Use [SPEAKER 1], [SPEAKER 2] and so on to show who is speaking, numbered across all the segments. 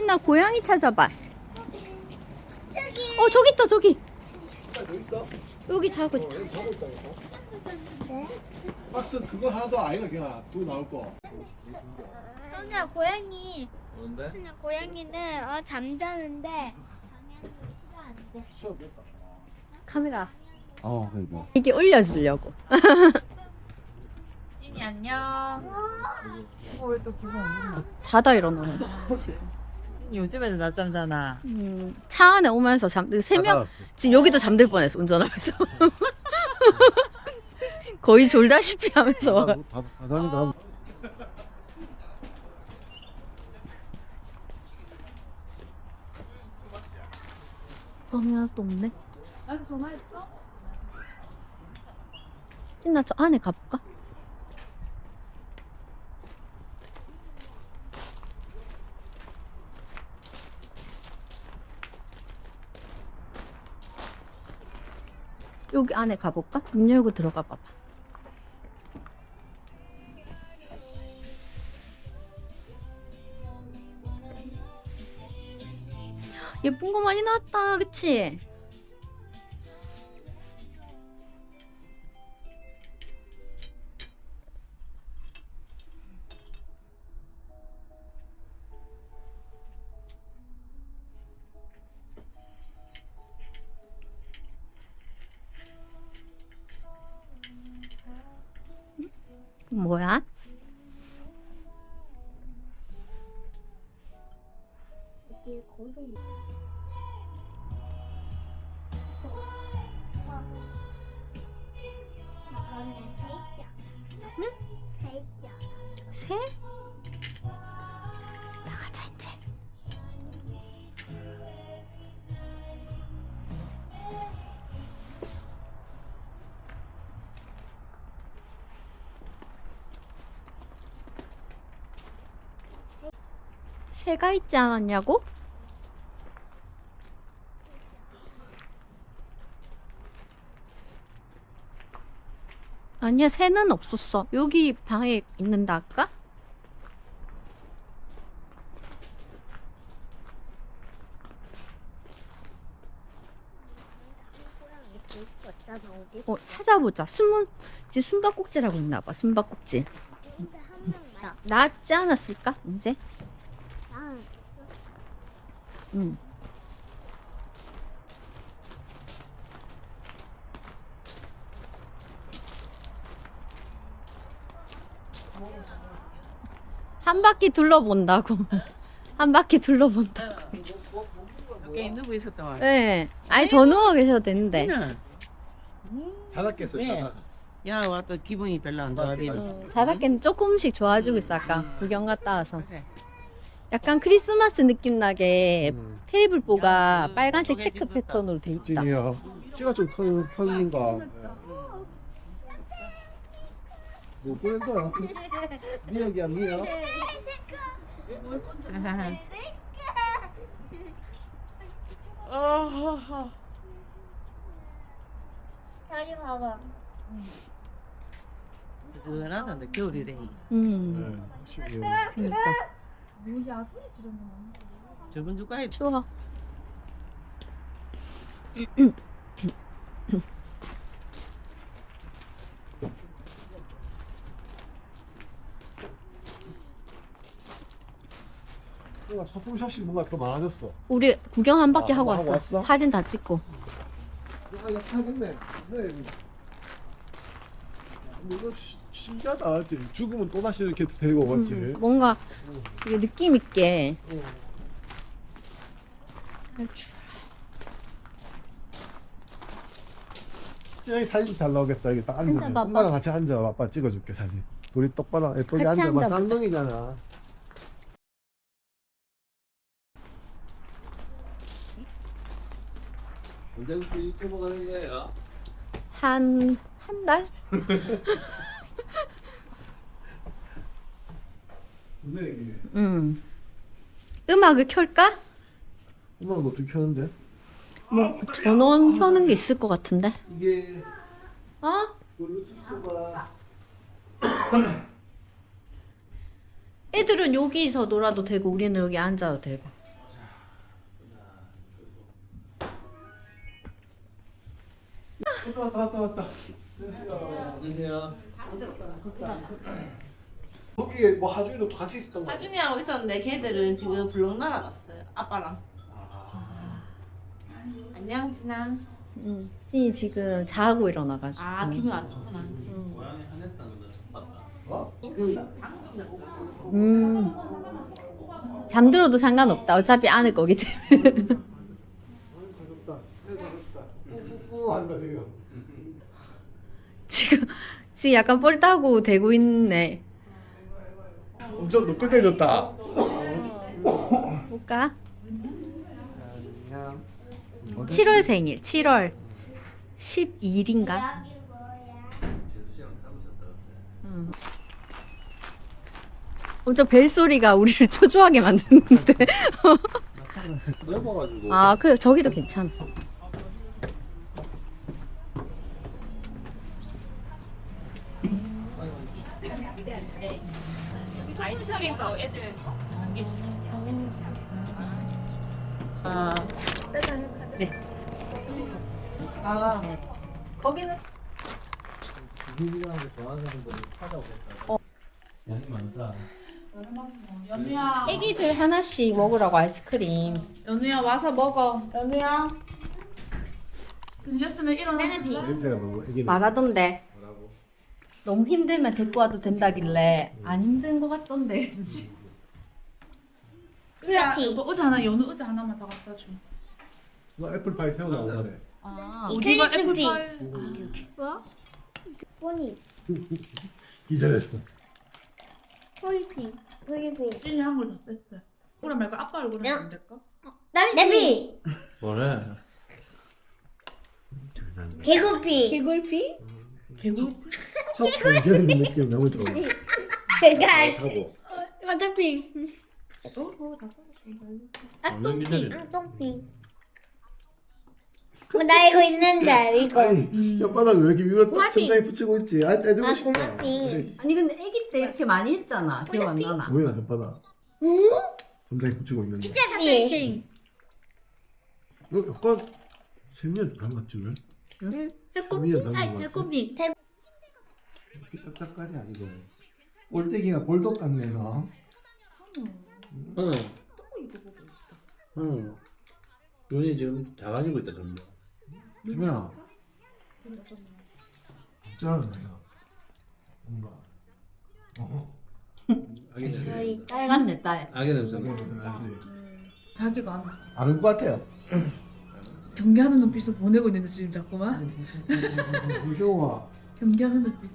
[SPEAKER 1] 신나 고양이 찾아봐. 저기 있다 저기.
[SPEAKER 2] 여기 있어?
[SPEAKER 1] 여기 자고 있다.
[SPEAKER 2] 여기 자고 있다니까. 박스 그거 하나도 아이가 그냥 또 나올 거.
[SPEAKER 3] 선우야 고양이.
[SPEAKER 4] 뭔데?
[SPEAKER 3] 선우야 고양이는 잠자는데 방향이 시가 안 돼.
[SPEAKER 2] 시원했다.
[SPEAKER 1] 카메라.
[SPEAKER 2] 그러니까.
[SPEAKER 1] 이게 올려주려고.
[SPEAKER 5] 찐이 안녕. 왜 또 기분 안 좋나?
[SPEAKER 1] 자다 일어나네.
[SPEAKER 5] 찐이 요즘에도 낮잠 자나.
[SPEAKER 1] 차 안에 오면서 세 명 지금 여기도 잠들 뻔했어 운전하면서. 거의 졸다시피 하면서 와가.
[SPEAKER 2] 바닥이다.
[SPEAKER 1] 범이 하나도 없네. 찐나 저 안에 가볼까? 여기 안에 가볼까? 문 열고 들어가 봐봐. 예쁜 거 많이 나왔다, 그치? 뭐야?
[SPEAKER 3] 이게 고소.
[SPEAKER 1] 새? 나가자 이제. 새가 있지 않았냐고? 아니야, 새는 없었어. 여기 방에 있는다 아까? 찾아보자. 지금 숨바꼭질하고 있나봐. 숨바꼭질. 낫지 않았을까? 이제? 응. 한 바퀴 둘러본다고. 한 바퀴 둘러본다고.
[SPEAKER 6] 저게 누구 있었던 거야?
[SPEAKER 1] 네. 아니 더 누워 계셔도 되는데.
[SPEAKER 2] 자다 깼어, 자다.
[SPEAKER 6] 야, 와 또 기분이 별로 안 좋아지네.
[SPEAKER 1] 자다깨는 조금씩 좋아지고 있어. 아까 구경 갔다 와서.
[SPEAKER 6] 그래.
[SPEAKER 1] 약간 크리스마스 느낌 나게 테이블보가
[SPEAKER 6] 야,
[SPEAKER 1] 빨간색
[SPEAKER 6] 저게
[SPEAKER 1] 체크
[SPEAKER 6] 지금
[SPEAKER 1] 패턴으로 돼 있다.
[SPEAKER 2] 찐이야. 키가 좀 큰가. 뭐 보낸 거야? 미역이야, 미역.
[SPEAKER 3] 저리 봐봐.
[SPEAKER 6] 그나다는데 겨울이 되니.
[SPEAKER 1] 그러니까
[SPEAKER 6] 저번 주까지
[SPEAKER 1] 추워.
[SPEAKER 2] 뭔가 소품샵식 뭔가 더 많아졌어.
[SPEAKER 1] 우리 구경 한 바퀴 하고
[SPEAKER 2] 하고
[SPEAKER 1] 왔어.
[SPEAKER 2] 왔어?
[SPEAKER 1] 사진 다 찍고.
[SPEAKER 2] 이거 사겠네. 네. 이거 신기하다. 죽으면 또 다시 이렇게 데리고 오겠지.
[SPEAKER 1] 뭔가 되게 느낌 있게.
[SPEAKER 2] 여기 사진 잘 나오겠어. 여기 딱 앉으면.
[SPEAKER 1] 앉아봐봐.
[SPEAKER 2] 엄마랑 같이 앉아. 아빠 찍어줄게 사진. 우리 똑바로 예쁘게
[SPEAKER 1] 같이
[SPEAKER 2] 앉아봐.
[SPEAKER 1] 앉아봐.
[SPEAKER 2] 쌍둥이잖아.
[SPEAKER 4] 언제부터 유튜브 가는 거예요?
[SPEAKER 1] 한 달?
[SPEAKER 2] 근데 이게
[SPEAKER 1] 음악을 켤까?
[SPEAKER 2] 음악은 어떻게 켜는데?
[SPEAKER 1] 뭐 전원 켜는 게 있을 것 같은데.
[SPEAKER 2] 이게
[SPEAKER 1] 어?
[SPEAKER 2] 블루투스가
[SPEAKER 1] 애들은 여기서 놀아도 되고 우리는 여기 앉아도 되고.
[SPEAKER 2] 왔다.
[SPEAKER 4] 안녕하세요.
[SPEAKER 2] 거기에 뭐 하준이도 같이 있었던 거.
[SPEAKER 6] 하준이하고 있었는데 걔들은 지금 블록 날아갔어요. 아빠랑. 안녕 진아.
[SPEAKER 1] 찐이 지금 자고 일어나가지고.
[SPEAKER 6] 아 기분 안 좋구나.
[SPEAKER 4] 고양이 하네스 하는 거 처음 봤다.
[SPEAKER 2] 어?
[SPEAKER 1] 잠들어도 상관없다. 어차피 안을 거기 때문에.
[SPEAKER 2] 가볍다. 뿌뿌뿌 한다 지금.
[SPEAKER 1] 지금 약간 뻘따고 대고 있네.
[SPEAKER 2] 엄청 높게
[SPEAKER 1] 볼까? 7월 생일. 7월 12일인가?
[SPEAKER 4] 재수 씨랑 닮으셨다.
[SPEAKER 1] 엄청 벨소리가 우리를 초조하게 만드는데.
[SPEAKER 4] 넓어가지고.
[SPEAKER 1] 아, 그 저기도 괜찮아.
[SPEAKER 6] 아
[SPEAKER 4] 유희랑 좋아하는 분이 찾아오겠다. 양이 많다.
[SPEAKER 1] 애기들 하나씩 먹으라고 아이스크림.
[SPEAKER 5] 연우야 와서 먹어. 연우야. 들렸으면 일어나.
[SPEAKER 2] 냄새가 너무 애기네.
[SPEAKER 1] 말하던데. 너무 힘들면 데리고 와도 된다길래 안 힘든 거 같던데. 그치?
[SPEAKER 5] 그래. 여보 의자 하나 연우 의자 하나만 더 갖다 줘.
[SPEAKER 2] 너 애플파이 새우 나온다네.
[SPEAKER 1] 아,
[SPEAKER 5] 어디가 애플파이?
[SPEAKER 3] 뭐? 포니.
[SPEAKER 2] 기절했어.
[SPEAKER 3] 포이핑. 포이핑.
[SPEAKER 5] 찐이 한걸 더 뺐대. 그래 말고 아빠 얼굴은 안 될까?
[SPEAKER 3] 나비.
[SPEAKER 4] 뭐래?
[SPEAKER 3] 개구피. 개구피?
[SPEAKER 5] 개구.
[SPEAKER 2] 첫 발견 느낌 너무 좋아.
[SPEAKER 3] 제가
[SPEAKER 2] 하고.
[SPEAKER 3] 완전핑.
[SPEAKER 4] 완전 기절이.
[SPEAKER 3] 똥핑. 나 이거 있는데 이거.
[SPEAKER 2] 아니 혓바닥 왜 이렇게 위로 딱 천장에 붙이고 있지? 아 떼주고 싶다.
[SPEAKER 3] 고마워.
[SPEAKER 1] 아니 근데 애기 때 이렇게 많이 했잖아. 기억 안 나나?
[SPEAKER 2] 뭐야 혓바닥. 천장에 붙이고 있는데.
[SPEAKER 3] 핑.
[SPEAKER 2] 너 약간 세미야 닮았지 왜? 세미야 닮은 거 같지?
[SPEAKER 3] 배꼽핑.
[SPEAKER 2] 이렇게 짝짝깔이 아니고 꼴대기가 볼독 같네 너.
[SPEAKER 4] 응. 응. 눈이 지금 작아지고 있다 점점.
[SPEAKER 2] 세미야. 진짜 내가 뭔가.
[SPEAKER 4] 아기 냄새.
[SPEAKER 1] 딸 같네 딸.
[SPEAKER 4] 아기 냄새.
[SPEAKER 5] 자기가 안 와.
[SPEAKER 2] 아는 것 같아요.
[SPEAKER 5] 경계하는 눈빛을 보내고 있는데 지금 자꾸만.
[SPEAKER 2] 무서워.
[SPEAKER 5] 경계하는 눈빛.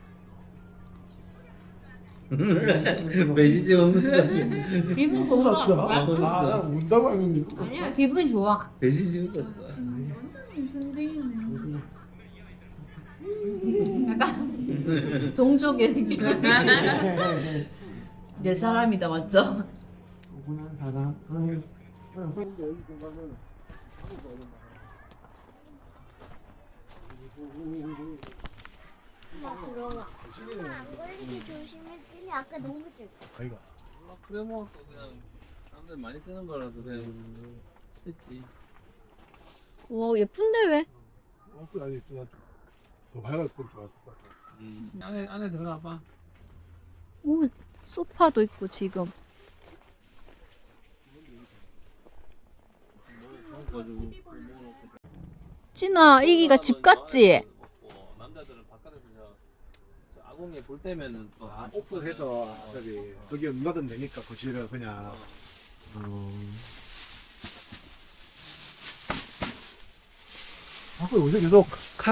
[SPEAKER 4] 매지지 없는
[SPEAKER 1] 기분
[SPEAKER 2] 웃었어?
[SPEAKER 1] 좋아.
[SPEAKER 2] 나 운다고 하는데.
[SPEAKER 1] 아니야 기분 좋아.
[SPEAKER 4] 매지지 웃었어.
[SPEAKER 5] 완전 순딩이네.
[SPEAKER 1] 약간 동족의 느낌. 내 사람이다 맞죠?
[SPEAKER 2] 오분한 사람.
[SPEAKER 3] 들어와. 얼굴 조심했더니 아까 너무 찔.
[SPEAKER 2] 아이가.
[SPEAKER 4] 그래 뭐 또 그냥 사람들 많이 쓰는 거라서 그냥 했지.
[SPEAKER 1] 와 예쁜데 왜?
[SPEAKER 2] 그 아니 더 밝았으면 좋았을 것 같아.
[SPEAKER 4] 안에 들어가 봐.
[SPEAKER 1] 오 소파도 있고 지금.
[SPEAKER 4] 가지고
[SPEAKER 1] 진아 이기가 집 같지?
[SPEAKER 4] 남자들은 바깥에서 저 아궁이에 불 때면은 또
[SPEAKER 2] 오픈해서 저기 누가든 되니까 거실을 그냥. 요새 계속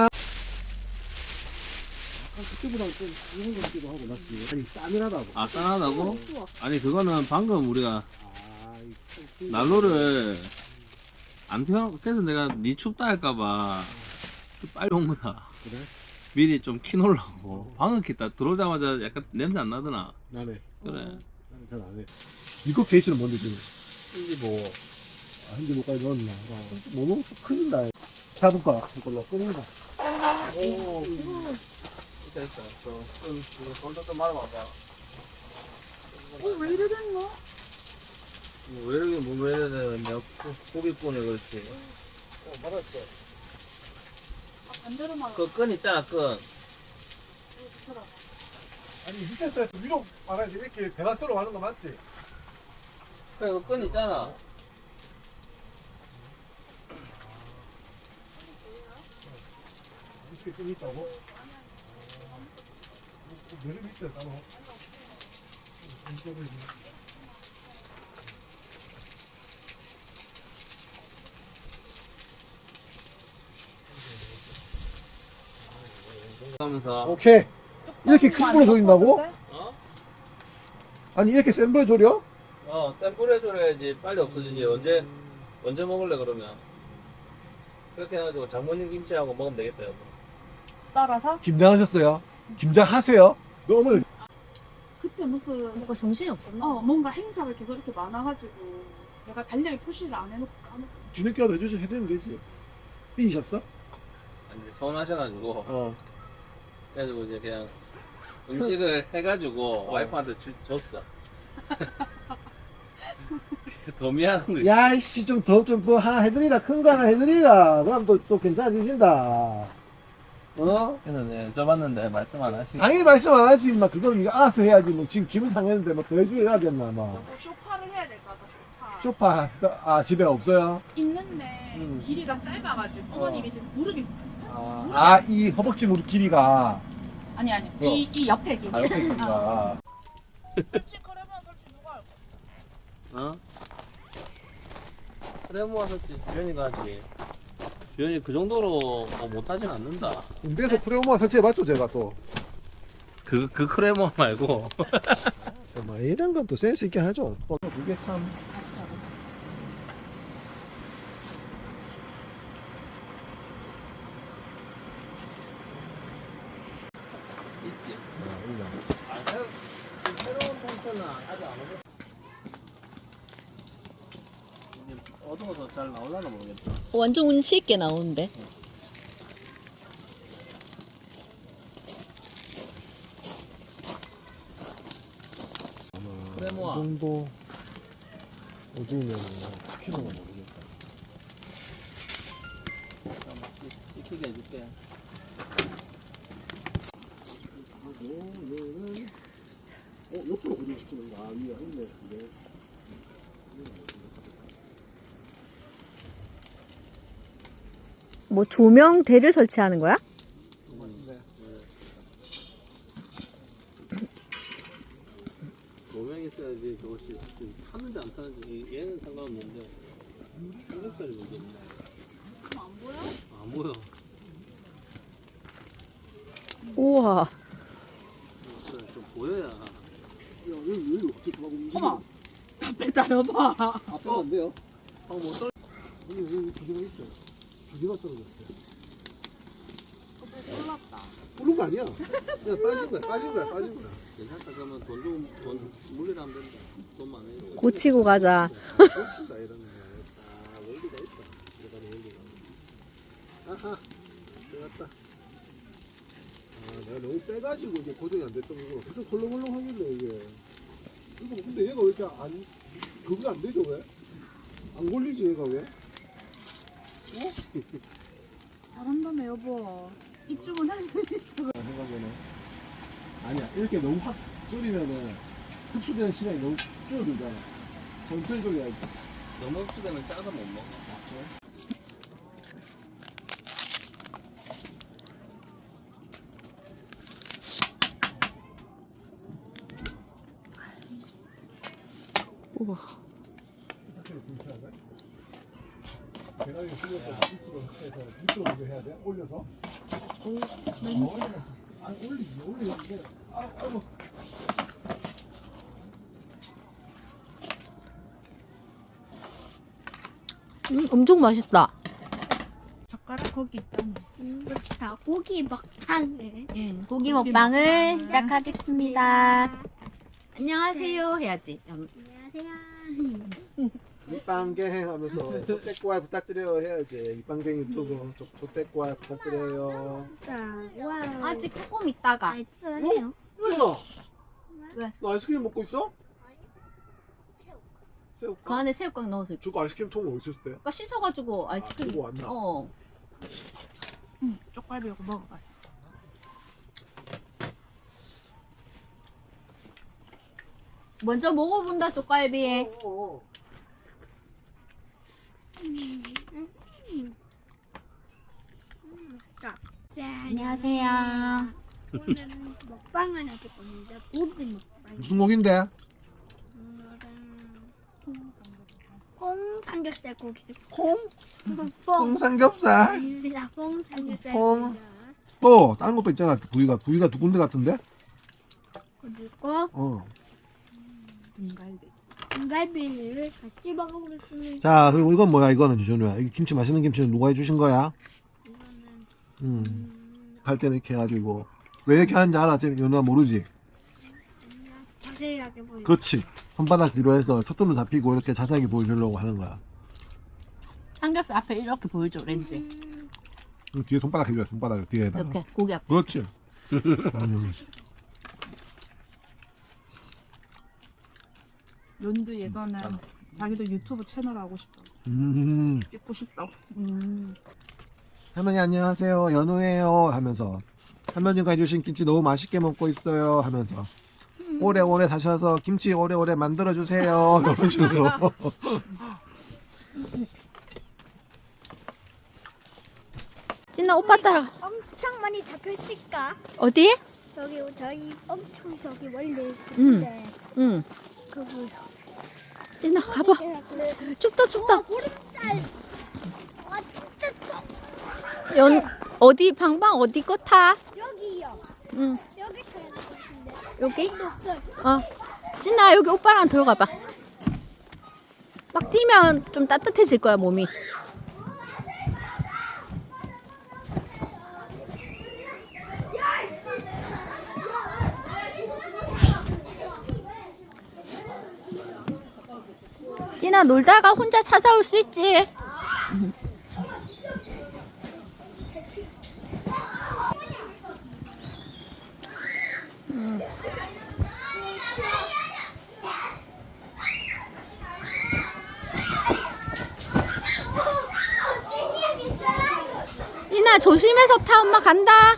[SPEAKER 2] 그때보다 좀 좋은 것 같기도 하고 낫지. 아니 싸늘하다고.
[SPEAKER 4] 아 짠하다고? 아니 그거는 방금 우리가
[SPEAKER 2] 이
[SPEAKER 4] 난로를 안 태워 그래서 내가 니 춥다 할까봐 좀 빨리 온 거다.
[SPEAKER 2] 그래?
[SPEAKER 4] 미리 좀 키놓으려고. 방금 키다 들어오자마자 약간 냄새 안 나더나.
[SPEAKER 2] 나네.
[SPEAKER 4] 그래.
[SPEAKER 2] 나는 잘 안 해. 이거 케이스는 뭔데 지금? 이게 뭐 한개 뭐까지 넣었나? 뭐 너무 큰다. 잡을까? 이걸로 끄는다.
[SPEAKER 4] 오. 됐다. 손도 좀 말아봐봐.
[SPEAKER 5] 왜 이래 된 거?
[SPEAKER 4] 왜 이렇게 뭐 이래 내가 고기꾼을 그렇지.
[SPEAKER 2] 맞았어.
[SPEAKER 5] 반대로만
[SPEAKER 4] 그 끈 있잖아, 끈.
[SPEAKER 2] 아니 밑에서 위로 말하지 이렇게 배가스로 가는 거 맞지?
[SPEAKER 4] 그래, 그끈 있잖아.
[SPEAKER 2] 이렇게 좀 있다고? 내려 있어요 따로. 이쪽으로 있네.
[SPEAKER 4] 하면서
[SPEAKER 2] 오케이. 이렇게 큰 불에 졸인다고?
[SPEAKER 4] 어?
[SPEAKER 2] 아니 이렇게 센 불에 졸여?
[SPEAKER 4] 센 불에 졸여야지 빨리 없어지지. 언제 먹을래 그러면? 그렇게 해가지고 장모님 김치하고 먹으면 되겠다 여보.
[SPEAKER 5] 따라서
[SPEAKER 2] 김장하셨어요? 김장하세요? 너무
[SPEAKER 5] 그때 무슨
[SPEAKER 1] 뭔가 정신이 없었나?
[SPEAKER 5] 뭔가 행사가 계속 이렇게 많아가지고 제가 달력에 표시를 안 해놓고 까먹고
[SPEAKER 2] 뒤늦게라도 해되면 되지. 삐이셨어?
[SPEAKER 4] 아니 서운하셔가지고
[SPEAKER 2] 어.
[SPEAKER 4] 그래가지고 이제 그냥 음식을 해가지고 와이프한테 줬어. 더 미안한 거 있어.
[SPEAKER 2] 야이씨 좀 하나 해드리라 큰 거 하나 해드리라. 그럼 또 괜찮아지신다. 어?
[SPEAKER 4] 그래서 네, 줘봤는데 말씀 안 하시고.
[SPEAKER 2] 당연히 말씀 안 하지 막 그걸 네가 알아서 해야지 뭐 지금 기분 상했는데 뭐 더 해주려 되나 뭐.
[SPEAKER 5] 또 쇼파를 해야 될 것 같다. 쇼파
[SPEAKER 2] 쇼파 집에 없어요?
[SPEAKER 5] 있는데 길이가 짧아가지고 어머님이 지금 무릎이
[SPEAKER 2] 이 허벅지 무릎 길이가
[SPEAKER 5] 아니 이 옆에 길이
[SPEAKER 2] 옆에 길이가
[SPEAKER 4] 어? 그래 모아서지 주연이가 하지. 주연이 그 정도로 뭐 못하진 않는다.
[SPEAKER 2] 군대에서 프레오마 설치해봤죠 제가 또.
[SPEAKER 4] 그 크레모 말고.
[SPEAKER 2] 뭐 이런 건 또 센스 있게 하죠. 또 그게 참.
[SPEAKER 4] 있지. 새로운 텐트는 아직 안 오고. 어두워서 잘 나오려나 모르겠다.
[SPEAKER 1] 완전 운치 있게 나오는데.
[SPEAKER 2] 이
[SPEAKER 4] 크레모아.
[SPEAKER 2] 정도 어두우면 시키는 건 모르겠다.
[SPEAKER 4] 시키게 해줄게.
[SPEAKER 2] 옆으로 고정시키는 거. 위에 있네. 이게.
[SPEAKER 1] 뭐 조명대를 설치하는 거야?
[SPEAKER 4] 조명이 있어야지 저것이 타는지 안 타는지 얘는 상관없는데 삼겹살이 문제 있네. 안 보여? 안 보여.
[SPEAKER 1] 우와.
[SPEAKER 4] 그래 좀 보여야.
[SPEAKER 2] 야, 여기 어떻게 막 움직여?
[SPEAKER 5] 어머 앞에 따라봐
[SPEAKER 2] 앞에가 안 돼요?
[SPEAKER 4] 뭐 떨.
[SPEAKER 2] 여기 두 개가 있어. 두 개가 떨어졌어. 부른 거 아니야. 그냥 빠진 거야.
[SPEAKER 4] 괜찮다. 그러면 돈 물리라면 된다. 돈 많으니까.
[SPEAKER 1] 고치고 가자.
[SPEAKER 2] 고친다 이런 거. 아, 원리가 있다. 들어가는 원리가. 아하, 들어갔다. 내가 너무 빼가지고 이게 고정이 안 됐던 거고. 계속 헐렁헐렁 하길래 이게. 이거 근데 얘가 왜 이렇게 그거 안 되죠 왜? 안 걸리지 얘가 왜? 어?
[SPEAKER 5] 잘한다네 여보 이쪽은 할 수 있어
[SPEAKER 2] 생각에는 아니야 이렇게 너무 확 졸이면은 흡수되는 시간이 너무 줄어들잖아. 천천히 졸여야지.
[SPEAKER 4] 너무 흡수되면 짜서 못 먹어.
[SPEAKER 1] 우와.
[SPEAKER 2] 계란이 실려서 밑으로 해서 밑으로 먼저 해야 돼? 올려서? 아니 올리는데 아이고
[SPEAKER 1] 엄청 맛있다.
[SPEAKER 5] 젓가락 거기 있잖아
[SPEAKER 3] 자, 고기 먹방을.
[SPEAKER 1] 고기 먹방을 시작하겠습니다. 안녕하세요 해야지.
[SPEAKER 3] 안녕하세요.
[SPEAKER 2] 밑방갱 하면서 조떼꾸알 부탁드려요 해야지. 밑방갱 유튜브 조떼꾸알 부탁드려요.
[SPEAKER 3] 와.
[SPEAKER 1] 아직 조금 있다가.
[SPEAKER 3] 잘 들어요.
[SPEAKER 2] 누나
[SPEAKER 1] 왜?
[SPEAKER 2] 너 아이스크림 먹고 있어?
[SPEAKER 1] 그
[SPEAKER 2] 새우깡?
[SPEAKER 1] 안에 새우깡 넣어서
[SPEAKER 2] 저거 아이스크림 통 어디 있었을 때?
[SPEAKER 1] 아까 씻어가지고 아이스크림.
[SPEAKER 2] 들고 왔나?
[SPEAKER 1] 어.
[SPEAKER 5] 쪽갈비 이거 먹어봐.
[SPEAKER 1] 먼저 먹어본다 쪽갈비. 안녕하세요.
[SPEAKER 3] 오늘은 먹방을 해볼 겁니다. 고기 먹방.
[SPEAKER 2] 무슨 고기인데?
[SPEAKER 3] 콩 삼겹살 고기.
[SPEAKER 2] 콩?
[SPEAKER 3] 뽕.
[SPEAKER 2] 콩삼겹살?
[SPEAKER 3] 아닙니다. 콩 삼겹살.
[SPEAKER 2] 콩. 또 다른 것도 있잖아. 부위가 두 군데 같은데?
[SPEAKER 3] 그리고
[SPEAKER 2] 어.
[SPEAKER 3] 등갈비를 같이 먹어보겠습니다.
[SPEAKER 2] 자, 그리고 이건 뭐야? 이거는 주준우야. 이 김치 맛있는 김치는 누가 해주신 거야? 갈 때는 이렇게 해가지고 왜 이렇게 하는지 알아? 연우가 모르지?
[SPEAKER 3] 자세하게 보여.
[SPEAKER 2] 그렇지. 손바닥 뒤로 해서 초점을 잡히고 이렇게 자세하게 보여주려고 하는 거야.
[SPEAKER 1] 삼겹살 앞에 이렇게 보여줘 렌즈.
[SPEAKER 2] 뒤에 손바닥 해줘야 손바닥 뒤에다가.
[SPEAKER 1] 이렇게 고기 앞에.
[SPEAKER 2] 그렇지.
[SPEAKER 5] 연두 예전에 자기도 유튜브 채널 하고 싶다. 찍고 싶다.
[SPEAKER 2] 할머니 안녕하세요. 연우예요 하면서 할머니가 해주신 김치 너무 맛있게 먹고 있어요 하면서 오래오래 사셔서 김치 오래오래 만들어주세요 이런 식으로.
[SPEAKER 1] 진아 오빠 따라.
[SPEAKER 3] 엄청 많이 잡혔을까?
[SPEAKER 1] 어디?
[SPEAKER 3] 저기 저희 엄청 저기 원래
[SPEAKER 1] 응.
[SPEAKER 3] 있는데
[SPEAKER 1] 응.
[SPEAKER 3] 그거.
[SPEAKER 1] 진아 가봐. 춥다 춥다.
[SPEAKER 3] 보름달. 와 진짜 좀.
[SPEAKER 1] 어디 방방 어디 거 타?
[SPEAKER 3] 여기요.
[SPEAKER 1] 응.
[SPEAKER 3] 여기 타야 될 것 같은데.
[SPEAKER 1] 여기?
[SPEAKER 3] 없어요.
[SPEAKER 1] 어. 진아 여기 오빠랑 들어가 봐. 막 뛰면 좀 따뜻해질 거야 몸이. 진아 놀다가 혼자 찾아올 수 있지. 진아 조심해서 타. 엄마 간다.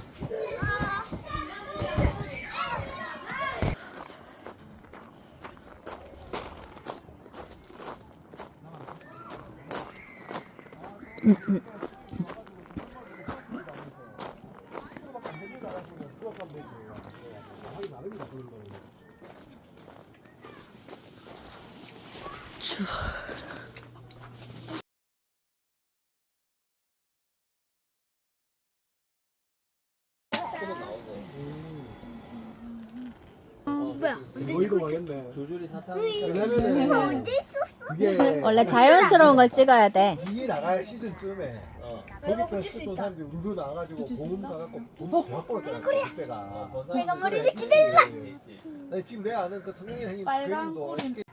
[SPEAKER 3] 뭐야?
[SPEAKER 2] 너희도 망했네.
[SPEAKER 4] 조절이 사탕.
[SPEAKER 2] 왜냐면은
[SPEAKER 3] 언제 있었어?
[SPEAKER 2] 그게
[SPEAKER 1] 원래 자연스러운 걸 찍어야 돼.
[SPEAKER 2] 이게 나갈 시즌쯤에 거기서 스톤 사람들이 우르르 나와가지고 보험 가갖고 돈 대박 벌었잖아 그때가.
[SPEAKER 3] 내가 머리를 기다려.
[SPEAKER 2] 아니, 지금 내가 아는 그 성형이 생긴
[SPEAKER 5] 빨간
[SPEAKER 2] 그림도
[SPEAKER 5] 꼬리.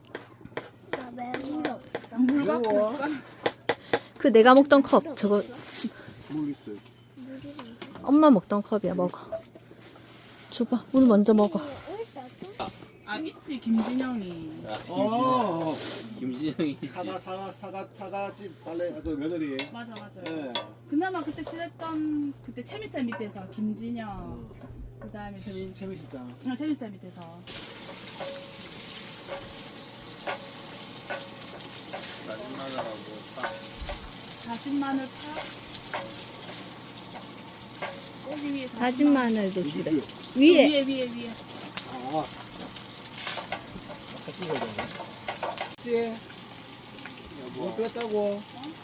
[SPEAKER 2] 매워.
[SPEAKER 1] 그 내가 먹던 컵 저거
[SPEAKER 2] 모르겠어요.
[SPEAKER 1] 엄마 먹던 컵이야. 먹어. 줘봐. 물 먼저 먹어.
[SPEAKER 5] 아 있지 김진영이.
[SPEAKER 2] 어.
[SPEAKER 4] 김진영이 있지.
[SPEAKER 2] 사과집 빨래 그 며느리.
[SPEAKER 5] 맞아 맞아.
[SPEAKER 2] 예.
[SPEAKER 5] 그나마 그때 친했던 그때 채미쌤 밑에서 김진영. 그다음에 그
[SPEAKER 2] 재밌었다.
[SPEAKER 5] 채미쌤 밑에서.
[SPEAKER 4] 다진 마늘하고 파.
[SPEAKER 5] 다진 마늘 파. 꼬리 위에
[SPEAKER 1] 다진 마늘도 주래.
[SPEAKER 5] 위에.
[SPEAKER 1] 위에.
[SPEAKER 2] 아. 같이 먹어야 되네. 뭐 뺐다고?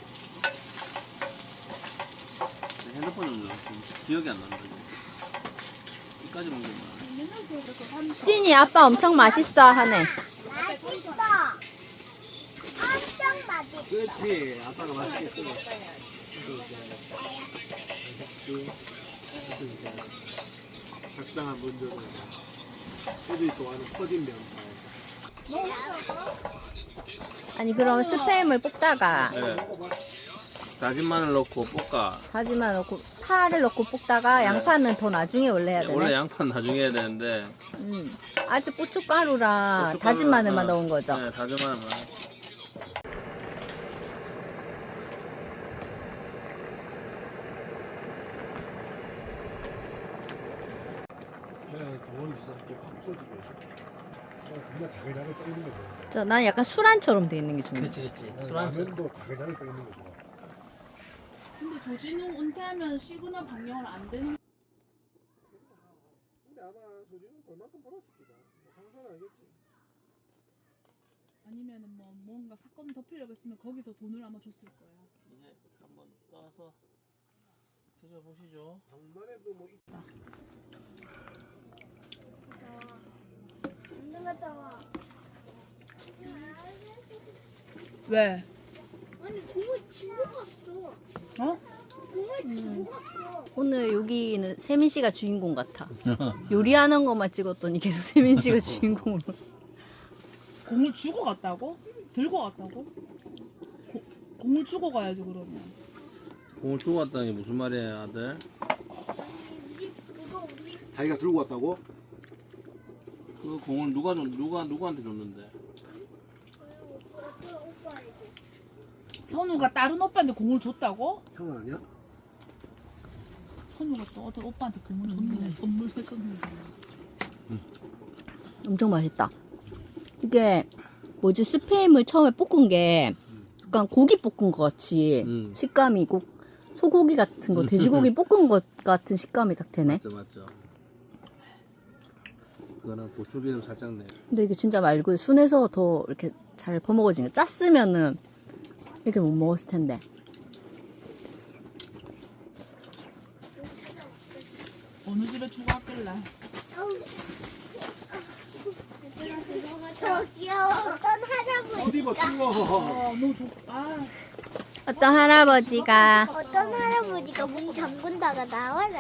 [SPEAKER 4] 핸드폰은 기억이 안 난다. 이까지 먹는 거야.
[SPEAKER 1] 찐이 아빠 엄청 맛있어 하네.
[SPEAKER 3] 맛있어. 엄청 맛있어.
[SPEAKER 2] 그렇지. 아빠가 맛있게 끓여. 적당한 분들은 애들이 좋아하는 퍼진 면발.
[SPEAKER 1] 아니 그럼 스팸을 볶다가
[SPEAKER 4] 네. 다진 마늘 넣고 볶아.
[SPEAKER 1] 다진 마늘 넣고 파를 넣고 볶다가 양파는 더 나중에 원래 해야
[SPEAKER 4] 원래
[SPEAKER 1] 되네.
[SPEAKER 4] 양파는 나중에 해야 되는데.
[SPEAKER 1] 아직 고춧가루랑
[SPEAKER 4] 고춧가루랑,
[SPEAKER 1] 다진 마늘만 넣은 거죠.
[SPEAKER 4] 네, 다진 마늘만.
[SPEAKER 2] 시작 이렇게 확 풀어지게 해줘. 그냥 자글자글 떠 있는 게 좋아.
[SPEAKER 1] 난 약간 술안처럼 돼 있는 게 좋네.
[SPEAKER 4] 그렇지. 술안처럼.
[SPEAKER 2] 라면도 자글자글 떠 있는 게 좋아.
[SPEAKER 5] 근데 조진웅 은퇴하면 시그널 방영을 안 되는.
[SPEAKER 2] 근데 아마 조진은 벌만큼 벌었을 거다. 장사는 알겠지.
[SPEAKER 5] 아니면은 뭐 뭔가 사건 덮으려고 했으면 거기서 돈을 아마 줬을 거야.
[SPEAKER 4] 이제 한번 떠서 드셔보시죠.
[SPEAKER 2] 방만해도 뭐
[SPEAKER 3] 운동 갔다 와.
[SPEAKER 5] 왜?
[SPEAKER 3] 아니 공을 주고 갔어.
[SPEAKER 5] 어?
[SPEAKER 3] 공을 주고 갔어.
[SPEAKER 1] 오늘 여기는 세민 씨가 주인공 같아. 요리하는 것만 찍었더니 계속 세민 씨가 주인공으로.
[SPEAKER 5] 공을 주고 갔다고? 들고 갔다고? 공을 주고 가야지 그러면.
[SPEAKER 4] 공을 주고 왔다는 게 무슨 말이에요, 아들?
[SPEAKER 3] 우리 그거 우리
[SPEAKER 2] 자기가 들고 왔다고?
[SPEAKER 4] 그 공을 누구한테 줬는데?
[SPEAKER 3] 오빠에게.
[SPEAKER 5] 선우가 다른 오빠한테 공을 줬다고?
[SPEAKER 2] 형 아니야?
[SPEAKER 5] 선우가 또 어떤 오빠한테 공을 줬네. 선물 해줬는데.
[SPEAKER 1] 엄청 맛있다. 이게 뭐지 스팸을 처음에 볶은 게 약간 고기 볶은 것 같이 식감이 소고기 같은 거 돼지고기 볶은 것 같은 식감이 딱 되네.
[SPEAKER 4] 맞죠. 그거는 고추기름 살짝 내.
[SPEAKER 1] 근데 이게 진짜 말고 순해서 더 이렇게 잘 퍼먹어지네. 짰으면은 이렇게 못 먹었을 텐데.
[SPEAKER 5] 어느 집에 주고 왔길래?
[SPEAKER 3] 저기요. 어떤 할아버지.
[SPEAKER 2] 어디 봐 추워.
[SPEAKER 5] 너무 좋.
[SPEAKER 1] 어떤 할아버지가
[SPEAKER 3] 어떤 할아버지가 문 잠근다가 나와라.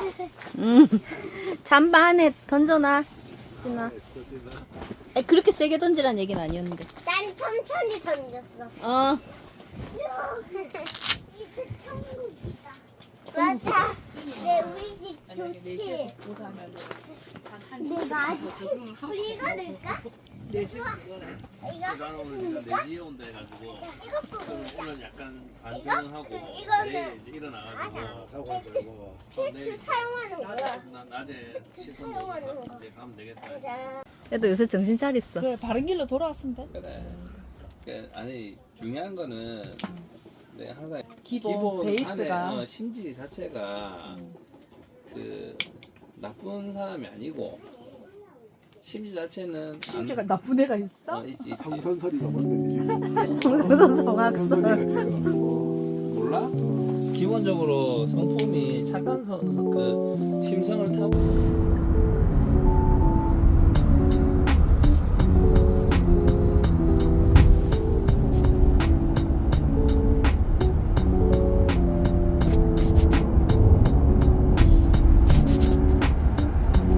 [SPEAKER 1] 잠바 안에 던져놔. 진아.
[SPEAKER 2] 했어 진아.
[SPEAKER 1] 그렇게 세게 던지란 얘기는 아니었는데.
[SPEAKER 3] 난 천천히 던졌어.
[SPEAKER 1] 어.
[SPEAKER 3] 이제 천국이다. 맞아. 네, 우리 집
[SPEAKER 5] 만약에
[SPEAKER 3] 좋지.
[SPEAKER 5] 4시에 보자면 한
[SPEAKER 3] 네,
[SPEAKER 5] 1시
[SPEAKER 3] 맛있어. 우리 이거 넣을까?
[SPEAKER 5] 4시 이거래.
[SPEAKER 3] 이거
[SPEAKER 4] 나는 오늘 4시에 온다 해가지고
[SPEAKER 3] 이거 뿌리자.
[SPEAKER 4] 오늘 약간 반전하고
[SPEAKER 3] 이거는-
[SPEAKER 4] 내일 이제 일어나가지고
[SPEAKER 2] 사고 한다 이거.
[SPEAKER 4] 내일
[SPEAKER 3] 사용하는 거야.
[SPEAKER 4] 낮에 씻던 거 이제 가면 되겠다.
[SPEAKER 1] 그래도 요새 정신 차렸어.
[SPEAKER 5] 그래 바른 길로 돌아왔으면 돼.
[SPEAKER 4] 그래. 아니 중요한 거는 내가 항상
[SPEAKER 5] 기본 베이스가.
[SPEAKER 4] 안에 심지 자체가 그 나쁜 사람이 아니고 심지 자체는
[SPEAKER 5] 심지가 나쁜 애가 있어?
[SPEAKER 4] 있지.
[SPEAKER 2] 성선설이가 뭔데 지금?
[SPEAKER 1] 성소서 성악설.
[SPEAKER 2] 성선설이가 지금.
[SPEAKER 4] 몰라? 기본적으로 성품이 착한 그 심성을 타고